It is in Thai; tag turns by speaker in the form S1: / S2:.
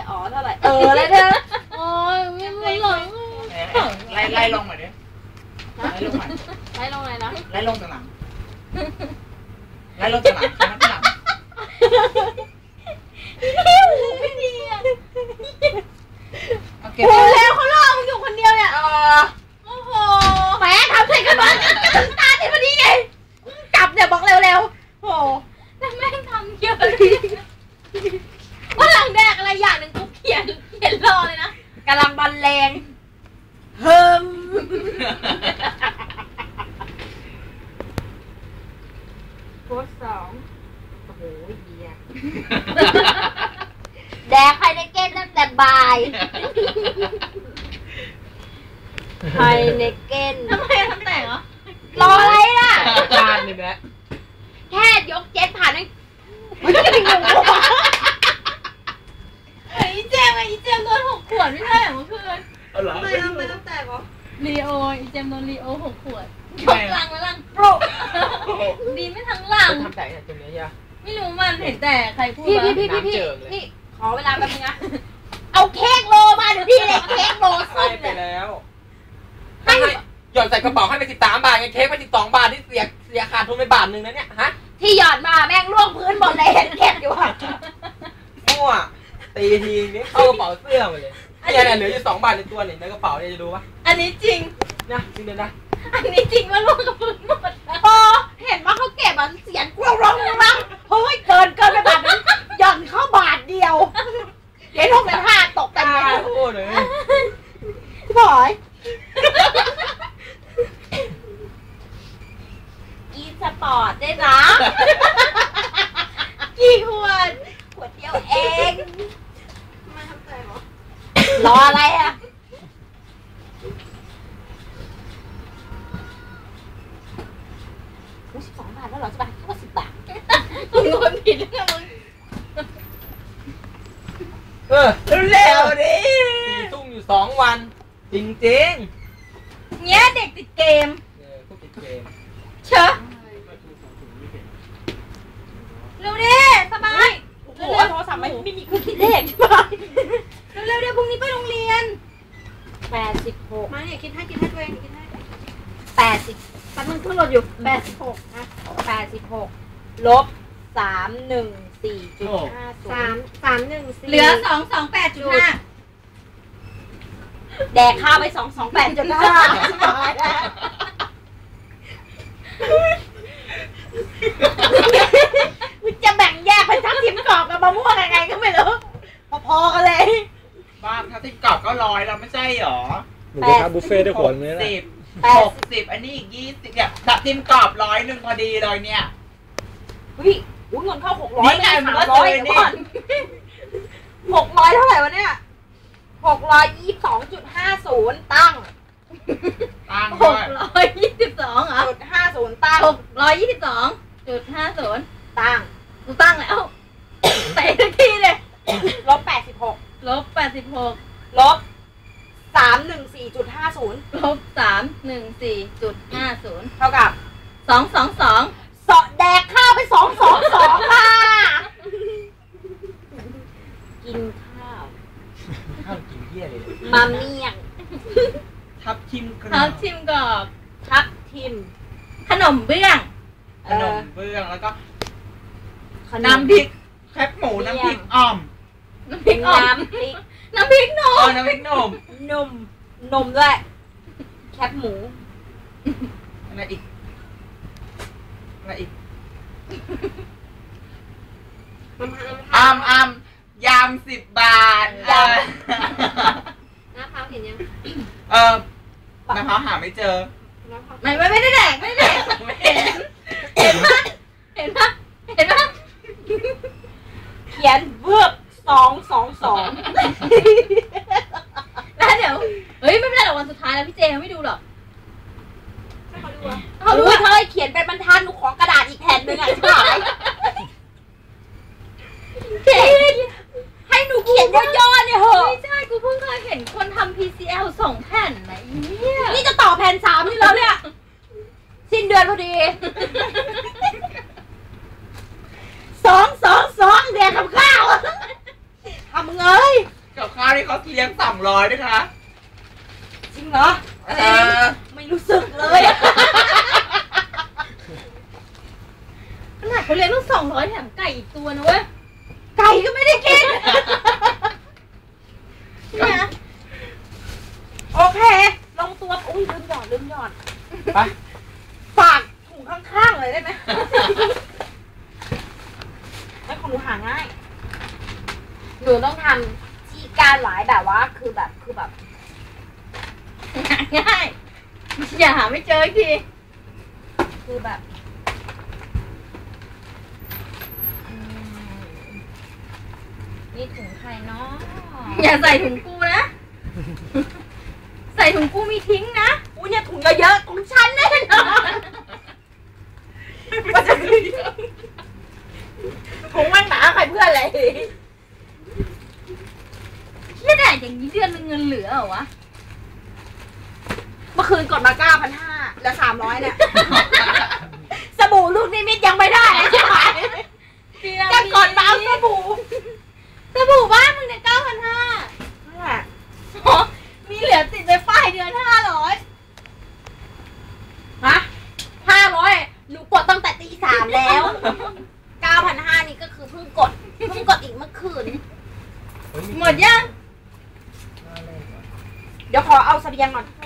S1: อ๋อเท่าไหร่แล้วเนี่ยโอ้ยไม่หลง
S2: ไล่ลงหน่อยดิไล่ลงหน่อย
S1: ไล่ลงไหนนะ
S2: ไล่ลงจากหลังไล่ลงจากหลังนั่นหลัง
S1: ไม่ดีอ่ะ
S2: โอ้
S1: แล้วเขาล่อมึงอยู่คนเดียวเนี่ยโอ้โหแหมทำใส่กันบ้างกันตาติดพอดีไงจับเนี่ยบอกเร็วๆโอ้แล้วแม่งทำเยอะว่าหลังแดกอะไรอย่างหนึ่งกูเขียนรอเลยนะกำลังบรรเลงเฮิมโพสสองโอ้โหเหี้ยแดกไฮเนเก้นตั้งแต่บ่ายไฮเนเก้นทำไมทำแต่งเหรอรออะไรล่ะ
S2: จานนี่แหละ
S1: แค่ยกเจ็ตผ่านนั่งไอ้เจมโดน6 ขวดไม่ใช่เหรอเมื่อคืนไม่ต้องแตกเหรอลีโอเจมโดนลีโอ6 ขวดยกลังแล้วลังโปรดีไม่ทั้งหลัง
S2: ทำแต่งตรงนี้ใช่ไหม
S1: ไม่รู้มันเห็นแต่ใครพูดพี่ขอเวลาแป๊บนึงนะเอาเค้กโลมาเดี๋ยวพี่เลยเค้กโลส้ม
S2: ไปแล้วให้หย่อนใส่กระเป๋าให้ไป13 บาทไงเค้กไป12 บาทที่เสียขาดทุนไป1 บาทนะเนี่ยฮะ
S1: ที่หย่อนมาแม่งล่วงพื้นหมดเลยเห็นเก็บอยู่อ่ะ
S2: มั่วตีทีนี้เข้ากระเป๋าเสื้อมาเลยเนี่ยเหลืออยู่2 บาทในตัวนี่ในกระเป๋าเนี่ยจะดูปะ
S1: อันนี้จริง
S2: นะจริงเดี๋ยวนะ
S1: อันนี้จริงว่าล่วงกับพื้นหมดพอเห็นว่าเขาเก็บมันเสียงกรวร้องเฮ้ยเกินไปบาทนั้นหย่อนเข้าบาทเดียวเดี๋ยว6.5ตกกันเลย
S2: โอ้เลย
S1: พี่บอยกินสปอร์ตได้นะกี่ขวดเดียวเองมาทำใจเหรอรออะไรอ่ะ12 บาทแล้วเหรอจะไปแค่10 บาทมึงคนผิดแล้วมึง
S2: เร็วดิ4 ทุ่มอยู่2 วันจริงเ
S1: นี้ยเด็กติดเกม
S2: พวกติดเกม
S1: เชอะเร็วดิสบายโอ้โหโทรศัพท์ไม่มีเครื่องคิดเลขใช่ไหมเร็วเดี๋ยวพรุ่งนี้ไปโรงเรียน86มาเนี่ยคิดให้ตัวเองคิดให้80ปันมันขึ้นรถอยู่86นะ86ลบ314.50เหลือ228.5แดกข้าวไป228.5จะแบ่งแยกเป็นทับทิมกรอบกับมะม่วงยังไงก็ไม่รู้พอๆกันเลย
S2: บ้านทับทิมกรอบก็100แล้วไม่ใช่หรอ
S3: หนูจะทำบุฟเฟ่ต์ได้ขวดนึงนะ
S2: 60อันนี้อีก20เนี่ยทับทิมกรอบ100พอดีเลยเนี่ย
S1: เงินเข้า600นี่ไงมันก็300นี่600เท่าไหร่วะเนี่ย622.50ตั้ง622เหรอ.50ตั้ง622.50ตั้งกูตั้งแล้วเตะทันทีเลยลบ86ลบ314.50ลบ314.50เท่ากับ222สอดแดกข้าวไป222ค่ะกินข้าว
S2: กินเหี้ยเลย
S1: มาเมี่ยง
S2: ทับทิมกรอบ
S1: ทับทิมขนมเบื้อง
S2: แล้วก็น้ำพริกแคบหมูน้ำพริกอ่อม
S1: น้ำพริกนม
S2: น้ำพริก
S1: นมด้วยแคบหมู
S2: อะไรอีกยำ10 บาท
S1: น้าพร้าวเห็นยัง
S2: น้าพร้าวหาไม่เจอ
S1: ไม่ได้แดกเห็นปะเขียนเวิร์ก222แล้วเดี๋ยวไม่เป็นไรหรอกวันสุดท้ายแล้วพี่เจเขาไม่ดูหรอกเขาดูเธอเขียนเป็นบรรทัดหนูขอกระดาษอีกแผ่นหนึ่งอ่ะใช่ไหมให้หนูเขียนย่อๆเนี่ยเหรอไม่ใช่กูเพิ่งเคยเห็นคนทำ PCL 2 แผ่นนะนี่จะต่อแผ่น3นี่แล้วเนี่ยสิ้นเดือนพอดี2 เดือนทำข้าวทำเงย
S2: าวนี่เขาเลี้ยง200ด้วยค่ะ
S1: จริงเหรอไม่รู้สึกเลยขนาดเขาเลี้ยงลูก200แถมไก่อีกตัวนะเว้ยไก่ก็ไม่ได้กินเนี่ยโอเคลงตัวอุ้ยลืมหยอด
S2: ไป
S1: ฝากถุงข้างๆเลยได้ไหมให้ของหนูหาง่ายหนูต้องทำที่การหลายแบบว่าคือแบบหาง่ายอย่าหาไม่เจออีกทีคือแบบนี่ถุงใครเนาะอย่าใส่ถุงกูนะใส่ถุงกูมีทิ้งนะอุ้ยเนี่ยถุงเยอะๆของฉันแน่นอนว่าจะถุงมันหนาใครเพื่อนอะไรเชี่ยแดดอย่างนี้เดือนนึงเงินเหลือเหรอวะเมื่อคืนกดมา 9,500 แล้ว 300เนี่ยสบู่ลูกนิมิตยังไม่ได้ใช่ไหมจะกดมาเอาสบู่บ้านมึงเนี่ย 9,500 นั่นแหละมีเหลือติดไปป้ายเดือน 500ฮะ500หนูกดตั้งแต่ตี 3แล้ว 9,500 นี่ก็คือเพิ่งกดอีกเมื่อคืนหมดยังเดี๋ยวขอเอาเสบียงก่อน